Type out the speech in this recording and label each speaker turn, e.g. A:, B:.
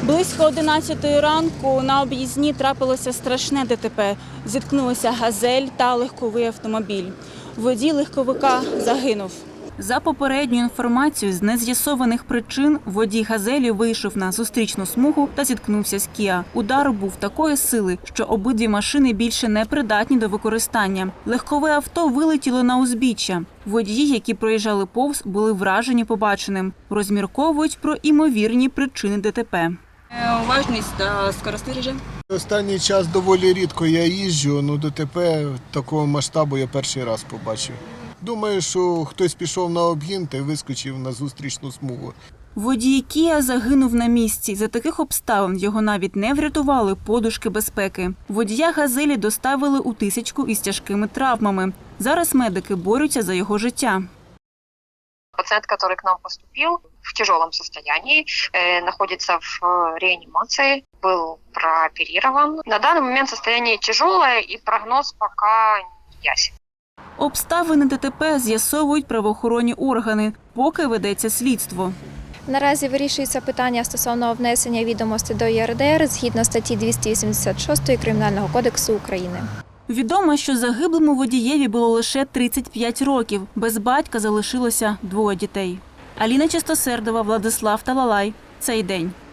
A: Близько 11 ранку на об'їзні трапилося страшне ДТП. Зіткнулися «Газель» та легковий автомобіль. Водій легковика загинув. За попередньою інформацією, з нез'ясованих причин водій «Газелі» вийшов на зустрічну смугу та зіткнувся з «Кіа». Удар був такої сили, що обидві машини більше не придатні до використання. Легкове авто вилетіло на узбіччя. Водії, які проїжджали повз, були вражені побаченим. Розмірковують про імовірні причини ДТП.
B: Уважність та скоростний режим.
C: Останній час доволі рідко я їжджу, але ДТП такого масштабу я перший раз побачив. Думаю, що хтось пішов на обгін та вискочив на зустрічну смугу.
A: Водій «Кіа» загинув на місці. За таких обставин його навіть не врятували подушки безпеки. Водія «Газелі» доставили у Тисячку із тяжкими травмами. Зараз медики борються за його життя.
D: Пациент, который к нам поступил в тяжелом состоянии, находится в реанимации, был прооперирован. На данный момент состояние тяжелое и прогноз пока не ясен.
A: Обставини ДТП з'ясовують правоохоронні органи, поки ведеться слідство.
E: Наразі вирішується питання стосовно внесення відомостей до ЄРДР згідно статті 286 Кримінального кодексу України.
A: Відомо, що загиблому водієві було лише 35 років. Без батька залишилося 2 дітей. Аліна Чистосердова, Владислав Талалай. Цей день.